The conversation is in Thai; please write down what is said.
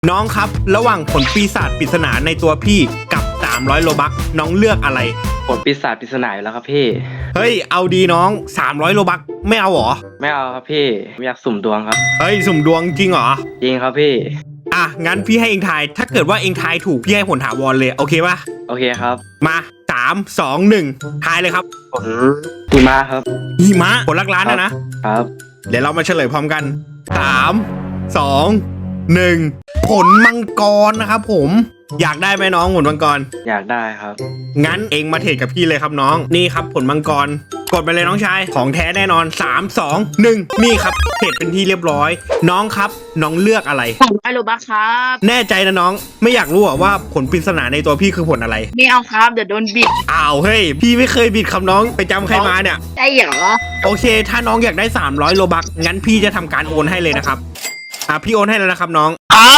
น้องครับระหว่างผลปีศาจปริศนาในตัวพี่กับ300โลบัคน้องเลือกอะไรผลปีศาจปริศนาอยู่แล้วครับพี่เฮ้ยเอาดีน้อง300โลบัคไม่เอาหรอไม่เอาครับพี่ไม่อยากสุ่มดวงครับเฮ้ยสุ่มดวงจริงเหรอจริงครับพี่อ่ะงั้นพี่ให้เองทายถ้าเกิดว่าเองทายถูกพี่ให้ผลถาวรเลยโอเคปะโอเคครับมา3 2 1ทายเลยครับผลหิมะครับหิมะผลลักล้านนะครับเดี๋ยวเรามาเฉลยพร้อมกัน3 2 1ผลมังกรนะครับผมอยากได้ไหมน้องผลมังกรอยากได้ครับงั้นเองมาเทรดกับพี่เลยครับน้องนี่ครับผลมังกรกดไปเลยน้องชายของแท้แน่นอน3 2 1นี่ครับเทรดเป็นที่เรียบร้อยน้องครับน้องเลือกอะไรไอโรบัคครับแน่ใจนะน้องไม่อยากรู้ว่าผลปริศนาในตัวพี่คือผลอะไรไม่เอาครับเดี๋ยวโดนบิดอ้าวเฮ้ยพี่ไม่เคยบิดคำน้องไปจำใครมาเนี่ยใช่เหรอโอเคถ้าน้องอยากได้300โลบัคงั้นพี่จะทำการโอนให้เลยนะครับพี่โอนให้แล้วนะครับน้องครับ